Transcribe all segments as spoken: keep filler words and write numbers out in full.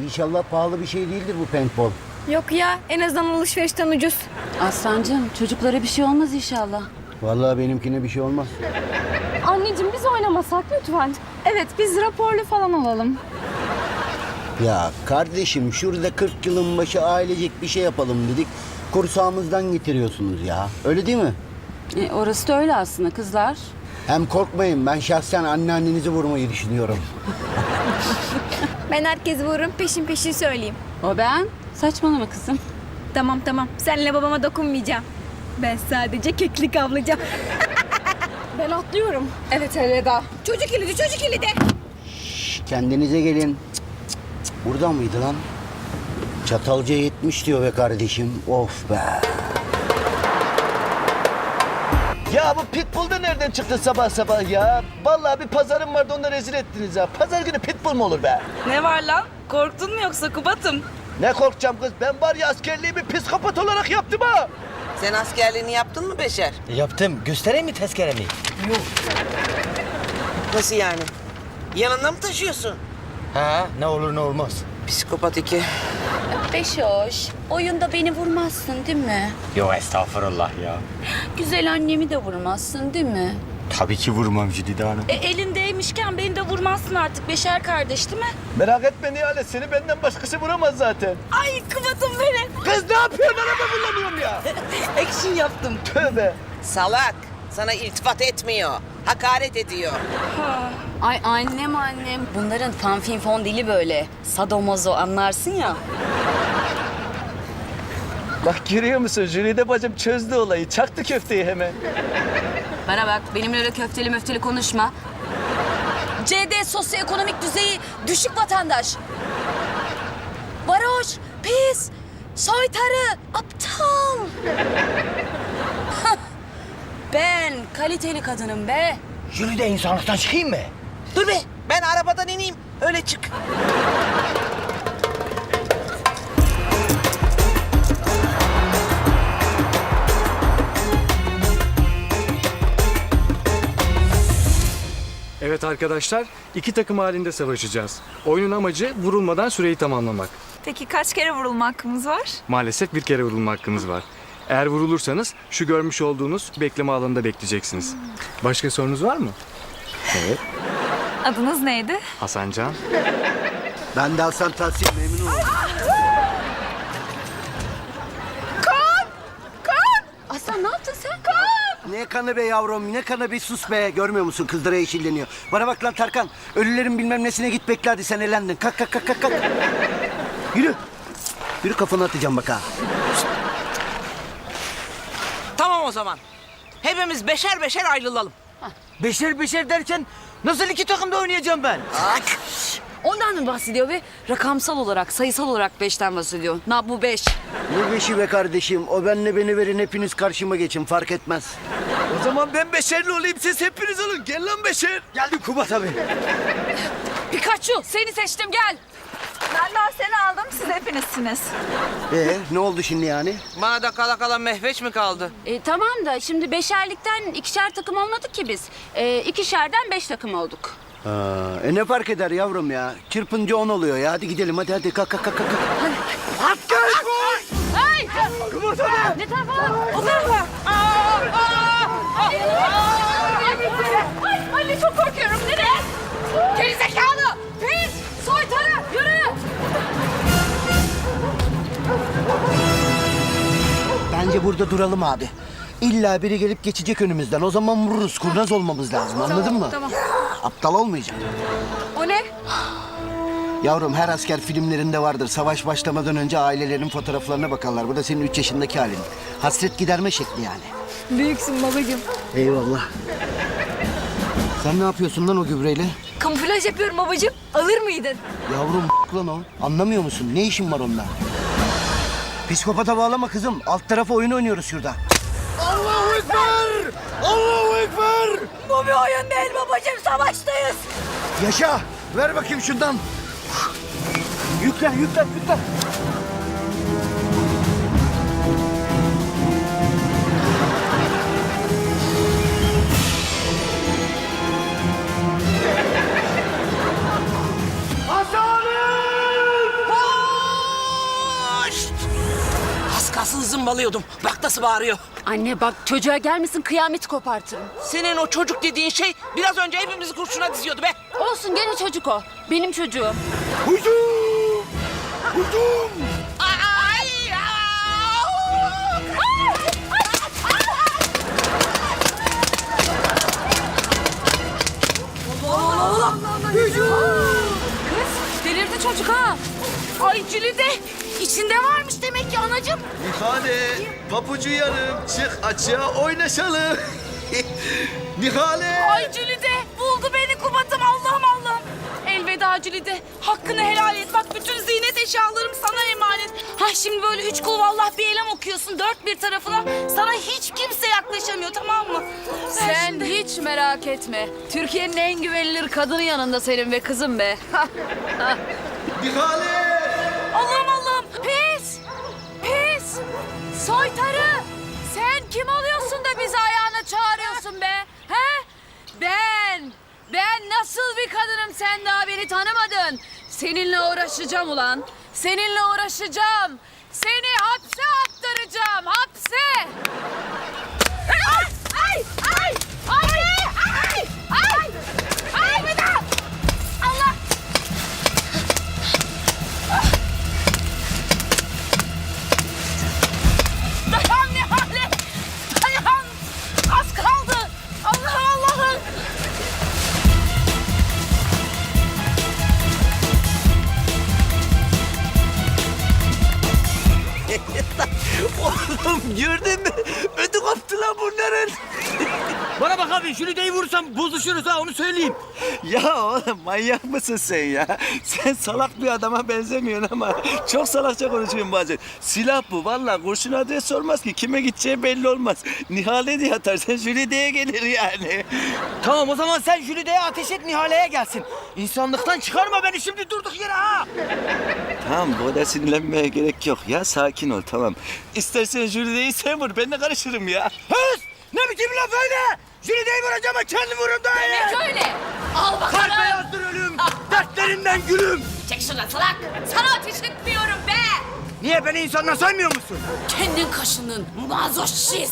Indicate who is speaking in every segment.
Speaker 1: İnşallah pahalı bir şey değildir bu paintball.
Speaker 2: Yok ya, en azından alışverişten ucuz.
Speaker 3: Aslancığım çocuklara bir şey olmaz inşallah.
Speaker 1: Vallahi benimkine bir şey olmaz.
Speaker 4: Anneciğim biz oynamasak lütfen. Evet biz raporlu falan olalım.
Speaker 1: Ya kardeşim şurada kırk yılın başı ailecek bir şey yapalım dedik. Kursağımızdan getiriyorsunuz ya. Öyle değil mi?
Speaker 3: E, orası da öyle aslında kızlar.
Speaker 1: Hem korkmayın, ben şahsen anneannenizi vurmayı düşünüyorum.
Speaker 2: Ben herkesi vururum, peşin peşin söyleyeyim.
Speaker 3: O ben. Saçmalama kızım.
Speaker 2: Tamam tamam, senle babama dokunmayacağım. Ben sadece keklik avlayacağım.
Speaker 4: Ben atlıyorum. Evet elveda.
Speaker 2: Çocuk kilidi, çocuk kilidi.
Speaker 1: Şş, kendinize gelin. Cık, cık, cık. Burada mıydı lan? Çatalca yetmiş diyor be kardeşim. Of be.
Speaker 5: Ya bu pitbull da nereden çıktı sabah sabah ya? Vallahi bir pazarım vardı, onu da rezil ettiniz ya. Pazar günü pitbull mu olur be?
Speaker 6: Ne var lan? Korktun mu yoksa Kubat'ım?
Speaker 5: Ne korkacağım kız? Ben var ya askerliğimi psikopat olarak yaptım ha.
Speaker 7: Sen askerliğini yaptın mı Beşer?
Speaker 8: Yaptım. Göstereyim mi tezkeremi?
Speaker 7: Nasıl yani? Yanında mı taşıyorsun?
Speaker 8: Ha, ne olur ne olmaz.
Speaker 7: Psikopat iki.
Speaker 3: Beşoş, oyunda beni vurmazsın değil mi?
Speaker 8: Yo estağfurullah ya.
Speaker 3: Güzel annemi de vurmazsın değil mi?
Speaker 8: Tabii ki vurmam Jülide Hanım.
Speaker 6: E elindeymişken beni de vurmazsın artık Beşer kardeş değil mi?
Speaker 5: Merak etme Nihale, seni benden başkası vuramaz zaten.
Speaker 6: Ay Kubat'ım benim.
Speaker 5: Kız ne yapıyorsun? Araba kullanıyorum ya.
Speaker 6: Action yaptım.
Speaker 5: Tövbe.
Speaker 7: Salak. Sana iltifat etmiyor. Hakaret ediyor.
Speaker 3: Ay annem annem. Bunların fanfinfon dili böyle. Sadomazo anlarsın ya.
Speaker 5: Bak görüyor musun? Jülide bacım çözdü olayı. Çaktı köfteyi hemen.
Speaker 3: Bana bak benimle öyle köfteli möfteli konuşma. C D sosyoekonomik düzeyi düşük vatandaş. Varoş, pis, soytarı, aptal. Hah, ben kaliteli kadınım be.
Speaker 8: Jülide insanlıktan çıkayım mı?
Speaker 7: Dur be. Ben arabadan ineyim. Öyle çık.
Speaker 9: Evet arkadaşlar, iki takım halinde savaşacağız. Oyunun amacı vurulmadan süreyi tamamlamak.
Speaker 6: Peki kaç kere vurulma hakkımız var?
Speaker 9: Maalesef bir kere vurulma hakkınız var. Eğer vurulursanız şu görmüş olduğunuz bekleme alanında bekleyeceksiniz. Başka sorunuz var mı? Evet.
Speaker 6: Adınız neydi?
Speaker 9: Hasancan.
Speaker 1: Ben de Hasan Tahsin, memnun oldum.
Speaker 3: Aslan ne yaptın sen?
Speaker 1: Ne kanı be yavrum, ne kanı be, sus be. Görmüyor musun, kızlara yeşilleniyor. Bana bak lan Tarkan, ölülerin bilmem nesine git bekle hadi, sen elendin. Kalk kalk kalk kalk. kalk. Yürü. Yürü, kafanı atacağım bak ha.
Speaker 7: Tamam o zaman. Hepimiz beşer beşer ayrılalım.
Speaker 8: Beşer beşer derken nasıl iki takımda oynayacağım ben?
Speaker 3: Ondan mı bahsediyor ve rakamsal olarak, sayısal olarak beşten bahsediyor. Na bu beş.
Speaker 1: Ne beşi be kardeşim, o benle beni verin, hepiniz karşıma geçin, fark etmez.
Speaker 5: O zaman ben beşerli olayım, siz hepiniz olun. Gel lan Beşer.
Speaker 1: Geldim Kubat abi.
Speaker 3: Pikachu seni seçtim gel.
Speaker 6: Ben daha seni aldım, siz hepinizsiniz.
Speaker 1: Ee, ne oldu şimdi yani?
Speaker 7: Bana da kala kala mehveç mi kaldı?
Speaker 3: E, tamam da şimdi beşerlikten ikişer takım olmadık ki biz. E, ikişerden beş takım olduk.
Speaker 1: Ha, e ne fark eder yavrum ya? Çırpınca on oluyor ya. Hadi gidelim, hadi hadi kalk kalk kalk. kalk.
Speaker 3: Hey! Ne tarafa? O tarafa.
Speaker 4: Ay anne çok korkuyorum. Nereye? Gerizekalı. Pis. Soytarı. Yürü.
Speaker 1: Bence burada duralım abi. İlla biri gelip geçecek önümüzden. O zaman vururuz. Kurnaz olmamız lazım. Anladın mı?
Speaker 2: Tamam.
Speaker 1: Aptal olmayacak.
Speaker 2: O ne?
Speaker 1: Yavrum, her asker filmlerinde vardır. Savaş başlamadan önce ailelerin fotoğraflarına bakarlar. Bu da senin üç yaşındaki halin. Hasret giderme şekli yani.
Speaker 2: Büyüksün babacığım.
Speaker 1: Eyvallah. Sen ne yapıyorsun lan o gübreyle?
Speaker 2: Kamuflaj yapıyorum babacığım. Alır mıydın?
Speaker 1: Yavrum lan o. Anlamıyor musun? Ne işin var onunla? Psikopata bağlama kızım. Alt tarafa oyun oynuyoruz şurada. Allahu Ekber! Allahu Ekber!
Speaker 2: Bu bir oyun değil babacığım. Savaştayız.
Speaker 1: Yaşa! Ver bakayım şundan. Yüklen, yüklen, yüklen. Hasan'ım!
Speaker 7: zımbalıyordum. Bak nasıl bağırıyor.
Speaker 3: Anne bak çocuğa gelmesin kıyameti kopartırım.
Speaker 7: Senin o çocuk dediğin şey biraz önce hepimizi kurşuna diziyordu be.
Speaker 3: Olsun gene çocuk o. Benim çocuğum.
Speaker 1: Hücum! Hücum!
Speaker 7: Ay!
Speaker 3: Delirdi çocuk ha. Ay Cülide içinde varmış demek ki anacığım.
Speaker 5: Nihale, papucu yarım, çık açığa oynaşalım. Nihale.
Speaker 3: Ay Cülide buldu beni Kubat'ım Allah'ım Allah'ım. Elveda Cülide. Hakkını helal et. Bak bütün ziynet eşyalarım sana emanet. Ha şimdi böyle üç kul vallah bir elem okuyorsun dört bir tarafına. Sana hiç kimse yaklaşamıyor tamam mı?
Speaker 10: Sen hiç merak etme. Türkiye'nin en güvenilir kadını yanında senin be kızım be.
Speaker 5: Nihale.
Speaker 10: Allah'ım Allah'ım. Pis. Pis. Soytarı. Sen kim oluyorsun da bizi ayağına çağırıyorsun be? He? Ben. Ben nasıl bir kadınım sen daha beni tanımadın. Seninle uğraşacağım ulan. Seninle uğraşacağım. Seni hapse attıracağım. Hapse. Ay! Ay! Ay! Ay! Ay! Ay! Ay! Bir daha! Allah! Dayan Nihale! Dayan! Az kaldı! Allah'ım Allah'ım!
Speaker 5: Oğlum gördün mü? Ödü koptu lan bunların.
Speaker 8: Bana bak abi Jülide'yi vurursam bozuşuruz ha onu söyleyeyim.
Speaker 5: Ya oğlum manyak mısın sen ya? Sen salak bir adama benzemiyorsun ama çok salakça konuşuyorsun bazen. Silah bu vallahi kurşun adres sormaz ki. Kime gideceği belli olmaz. Nihale diye atarsan Jülide'ye gelir yani.
Speaker 8: Tamam o zaman sen Jülide'ye ateş et Nihale'ye gelsin. İnsanlıktan çıkarma beni şimdi durduk yere ha.
Speaker 5: Tamam bu kadar sinirlenmeye gerek yok ya. Sakin ol tamam. İstersen Jülide'yi sen vur ben de karışırım ya.
Speaker 8: Höz! Ne biçim laf öyle? Jülide'yi vuracağım ama kendim vururum daha iyi.
Speaker 10: Demek öyle. Al bakalım.
Speaker 8: Kalp beyazdır ölüm. Dertlerinden gülüm.
Speaker 10: Çek şuradan salak. Sana ateş etmiyorum be.
Speaker 8: Niye beni insanla saymıyor musun?
Speaker 10: Kendin kaşının mazoşist.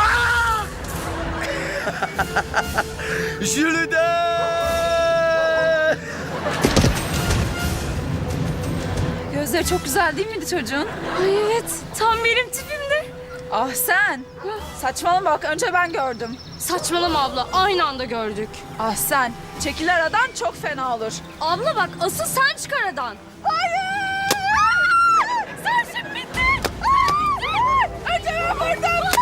Speaker 5: Jülide!
Speaker 10: Gözleri çok güzel değil miydi çocuğun?
Speaker 2: Ay evet tam benim tipimde.
Speaker 10: Ah sen. Saçmalama bak önce ben gördüm.
Speaker 4: Saçmalama abla aynı anda gördük.
Speaker 10: Ah sen. Çekil aradan çok fena olur.
Speaker 4: Abla bak asıl sen çık aradan.
Speaker 10: Hayır! Sarşın bitti! Önce ben vurdum!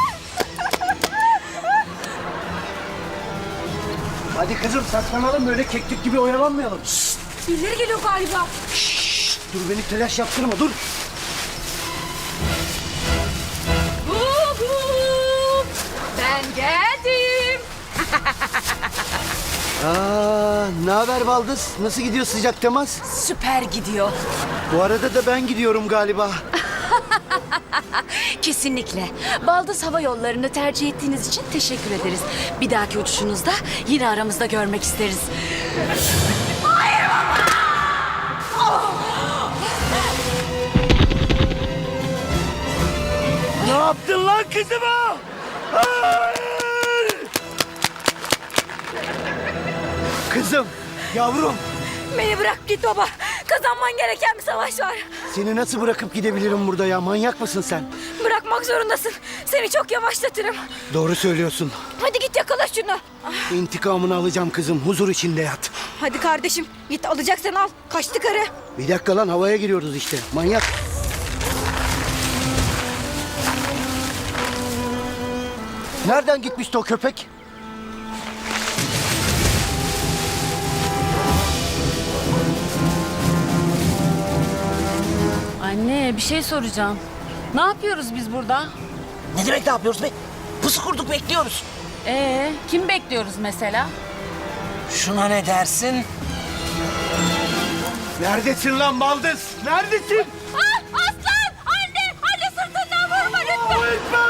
Speaker 1: Hadi kızım saklanalım böyle keklik gibi oyalanmayalım. Şşt,
Speaker 2: Birileri geliyor galiba.
Speaker 1: dur beni telaş yaptırma dur.
Speaker 10: Ben geldim.
Speaker 1: Aa, ne haber Baldız? Nasıl gidiyor sıcak temas?
Speaker 3: Süper gidiyor.
Speaker 1: Bu arada da ben gidiyorum galiba.
Speaker 3: Kesinlikle. Baldız Hava Yolları'nı tercih ettiğiniz için teşekkür ederiz. Bir dahaki uçuşunuzda yine aramızda görmek isteriz.
Speaker 1: Ne yaptın lan kızıma? Hayır! Kızım, yavrum.
Speaker 2: Beni bırak git baba. Kazanman gereken bir savaş var.
Speaker 1: Seni nasıl bırakıp gidebilirim burada ya? Manyak mısın sen?
Speaker 2: Bırakmak zorundasın. Seni çok yavaşlatırım.
Speaker 1: Doğru söylüyorsun.
Speaker 2: Hadi git yakala şunu.
Speaker 1: İntikamını alacağım kızım. Huzur içinde yat.
Speaker 2: Hadi kardeşim git alacaksan al. Kaçtı karı.
Speaker 1: Bir dakika lan havaya giriyoruz işte. Manyak. Nereden gitmişti o köpek?
Speaker 10: Anne bir şey soracağım. Ne yapıyoruz biz burada?
Speaker 7: Ne demek ne yapıyoruz be? Pusu kurduk bekliyoruz.
Speaker 10: Ee, kim bekliyoruz mesela?
Speaker 7: Şuna ne dersin?
Speaker 1: Neredesin lan Baldız? Neredesin?
Speaker 10: Ah, aslan! Anne! Anne sırtından vurma lütfen!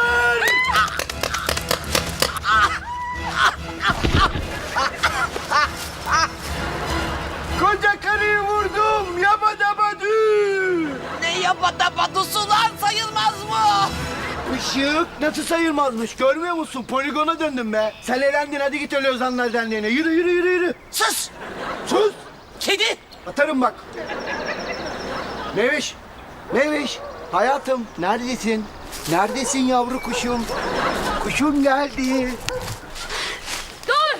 Speaker 1: Koca karıyı vurdum. Yabadabadü.
Speaker 7: Ne yapadabadusu lan? Sen sayılmaz mı?
Speaker 1: Işık nasıl sayılmazmış görmüyor musun? Poligona döndüm be. Sen elendin hadi git öyle Ozanlar Derneği'ne. Yürü yürü yürü yürü.
Speaker 7: Sus!
Speaker 1: Sus.
Speaker 7: Kedi!
Speaker 1: Atarım bak. Meviş. Meviş. Hayatım neredesin? Neredesin yavru kuşum? Kuşum geldi.
Speaker 10: Dur!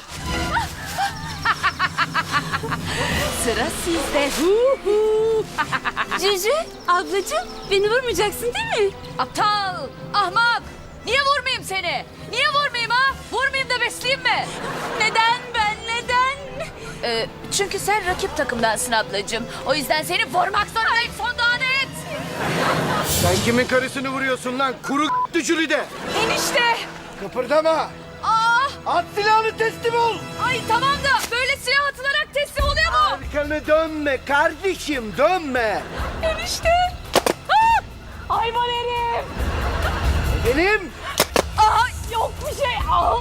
Speaker 10: Sıra sizde. Hu hu.
Speaker 2: Cücü, ablacığım beni vurmayacaksın değil mi?
Speaker 10: Aptal, ahmak. Niye vurmayayım seni? Niye vurmayayım ha? Vurmayayım da besleyeyim mi?
Speaker 2: Neden ben, neden?
Speaker 10: Ee, çünkü sen rakip takımdansın ablacığım. O yüzden seni vurmak zorundayım son adet.
Speaker 1: Sen kimin karısını vuruyorsun lan? Kuru düşürü de.
Speaker 10: Enişte.
Speaker 1: Kıpırdama.
Speaker 10: Aa,
Speaker 1: At silahını teslim ol.
Speaker 10: ay tamam da böyle silah atılarak teslim oluyor mu?
Speaker 1: Arkanı dönme kardeşim dönme.
Speaker 10: Enişte. Aa, hayvan herif.
Speaker 1: Benim.
Speaker 10: Aa, yok bir şey. Aa.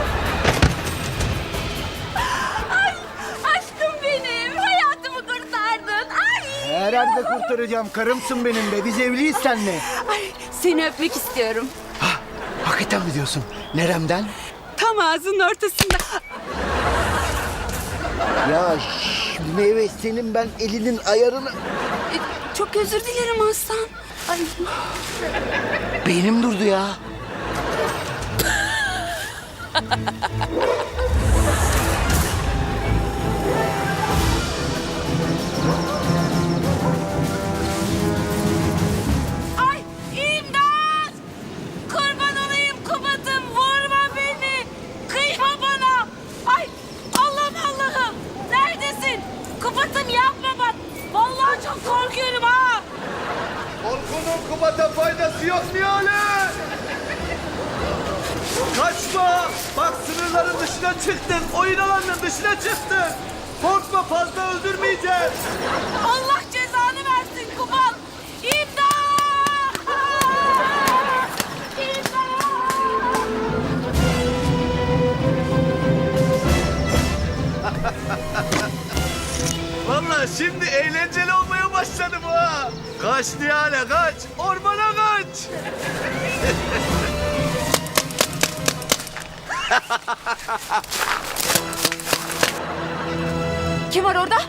Speaker 2: Ay, aşkım benim. Hayatımı kurtardın. Ay.
Speaker 1: Herhalde kurtaracağım. Karımsın benim be. Biz evliyiz seninle.
Speaker 2: Ay, seni öpmek istiyorum.
Speaker 1: Hakikaten mi diyorsun? Neremden?
Speaker 2: Tam ağzının ortasında.
Speaker 1: Ya şş, meyve senin ben elinin ayarını...
Speaker 2: E, Çok özür dilerim Aslan. Ay.
Speaker 1: Beynim durdu ya.
Speaker 3: Ay imdat! Kurban olayım Kubat'ım vurma beni. Kıyma bana. Ay Allah'ım Allah'ım. Neredesin? Kubat'ım yapma bak. Vallahi çok korkuyorum ha.
Speaker 5: Korkunun Kubat'a faydası yok Nihale. Kaçma. Bak sınırların dışına çıktın. Oyun alanının dışına çıktın. Korkma fazla öldürmeyeceğiz.
Speaker 3: Allah cezanı versin Kubat. İmdat! İmdat!
Speaker 5: Vallahi şimdi eğlenceli olmaya başladı bu ha. Kaç Nihale kaç. Ormana kaç.
Speaker 10: Kim var orada?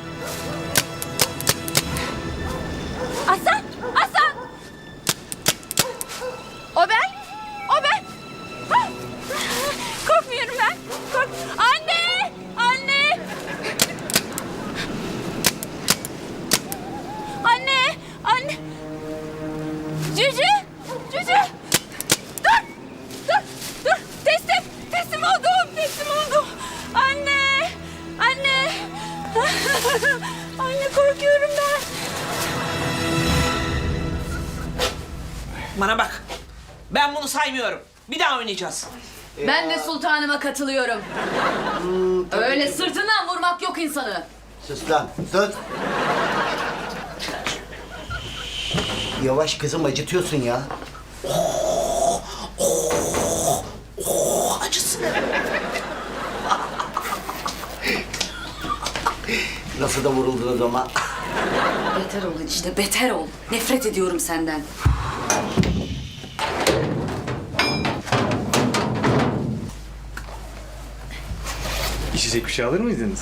Speaker 2: Aslan, Aslan.
Speaker 10: O ben. O ben.
Speaker 2: Ha! Korkmuyorum ben. Kork. Anne! Anne! Anne! Anne! Cücü! Cücü! Dur! Dur! Dur! Teslim! Teslim oldum! Teslim oldum! Anne! Anne! Anne korkuyorum ben.
Speaker 7: Bana bak. Ben bunu saymıyorum. Bir daha oynayacağız.
Speaker 10: Ben de sultanıma katılıyorum. Öyle sırtından vurmak yok insanı.
Speaker 1: Sus lan sus. Yavaş kızım acıtıyorsun ya.
Speaker 7: Acısın.
Speaker 1: Nasıl da vuruldunuz ama.
Speaker 10: Beter ol işte, beter ol. Nefret ediyorum senden.
Speaker 9: İçecek bir şey alır mıydınız?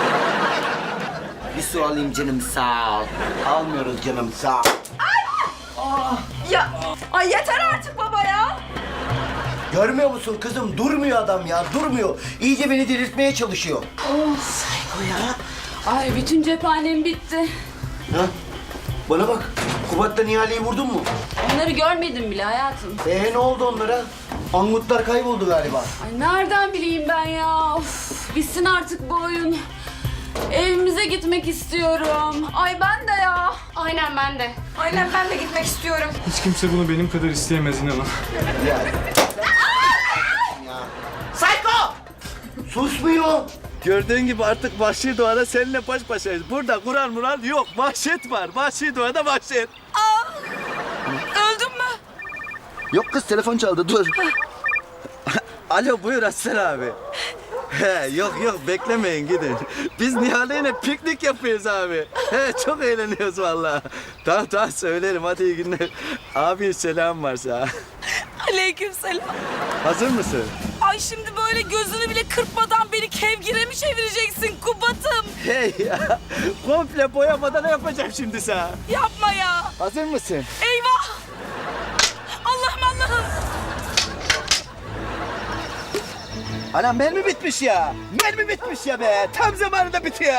Speaker 1: Bir su alayım canım sağ ol. Almıyoruz canım sağ ol.
Speaker 2: Ya, ay yeter artık baba ya.
Speaker 1: Görmüyor musun kızım? Durmuyor adam ya, durmuyor. İyice beni delirtmeye çalışıyor.
Speaker 10: Ay bütün cephanem bitti.
Speaker 1: Ha? Bana bak, Kubat'la Nihale'yi vurdun mu?
Speaker 10: Onları görmedim bile hayatım.
Speaker 1: Ee ne oldu onlara? Angutlar kayboldu galiba.
Speaker 10: Ay nereden bileyim ben ya? Of, bitsin artık bu oyun. Evimize gitmek istiyorum. Ay ben de ya.
Speaker 4: Aynen ben de.
Speaker 2: Aynen ben de gitmek istiyorum.
Speaker 9: Hiç kimse bunu benim kadar isteyemez inanın.
Speaker 1: Ya.
Speaker 7: Psycho!
Speaker 1: Susmuyor.
Speaker 5: Gördüğün gibi artık vahşi doğada seninle baş başayız. Burada Kur'an Muran yok. Vahşet var. Vahşi doğada vahşet.
Speaker 3: Öldün mü?
Speaker 5: Yok kız telefon çaldı dur. Alo buyur Aslan abi. He, yok yok beklemeyin gidin. Biz Nihale'yle piknik yapıyoruz abi. He, çok eğleniyoruz vallahi. Tamam tamam söylerim hadi iyi günler. Abi selam varsa.
Speaker 3: Aleykümselam.
Speaker 5: Hazır mısın?
Speaker 3: Ay şimdi böyle gözünü bile kırpmadan beni kevgire mi çevireceksin Kubat'ım?
Speaker 5: Hey ya komple boyamadan yapacağım şimdi sana.
Speaker 3: Yapma ya.
Speaker 5: Hazır mısın?
Speaker 3: Eyvah. Allah'ım Allah'ım.
Speaker 5: Anam mermi bitmiş ya. Mermi bitmiş ya be. Tam zamanında bitiyor.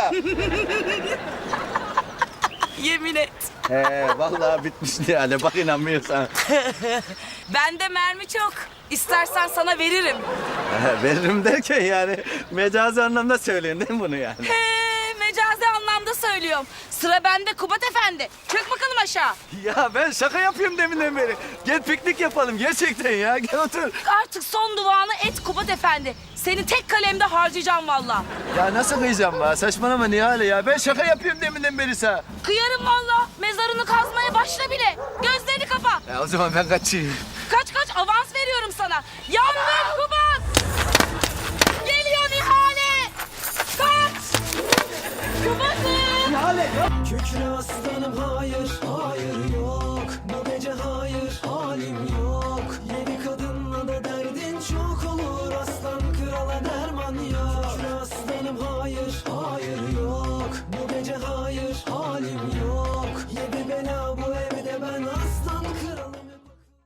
Speaker 3: Yemin et.
Speaker 5: He vallahi bitmiş Nihale bak inanmıyorsan.
Speaker 3: Bende mermi çok. İstersen sana veririm.
Speaker 5: He, veririm derken yani mecazi anlamda söylüyorsun değil mi bunu yani?
Speaker 3: He, mecazi anlamda söylüyorum. Sıra bende Kubat Efendi. Çök bakalım aşağı.
Speaker 5: Ya ben şaka yapıyorum deminden beri. Gel piknik yapalım gerçekten ya. Gel otur.
Speaker 3: Artık son duanı et Kubat Efendi. Seni tek kalemde harcayacağım valla.
Speaker 5: Ya nasıl kıyacağım be? Saçmalama Nihale ya. Ben şaka yapıyorum deminden beri sana.
Speaker 3: Kıyarım valla. Mezarını kazmaya başla bile. Gözlerini kapa.
Speaker 5: Ya o zaman ben kaçayım.
Speaker 3: Kaç kaç avans veriyorum sana. Yandım Kubat. Geliyor Nihale. Kaç. Kubat'ım.
Speaker 11: Kükre aslanım hayır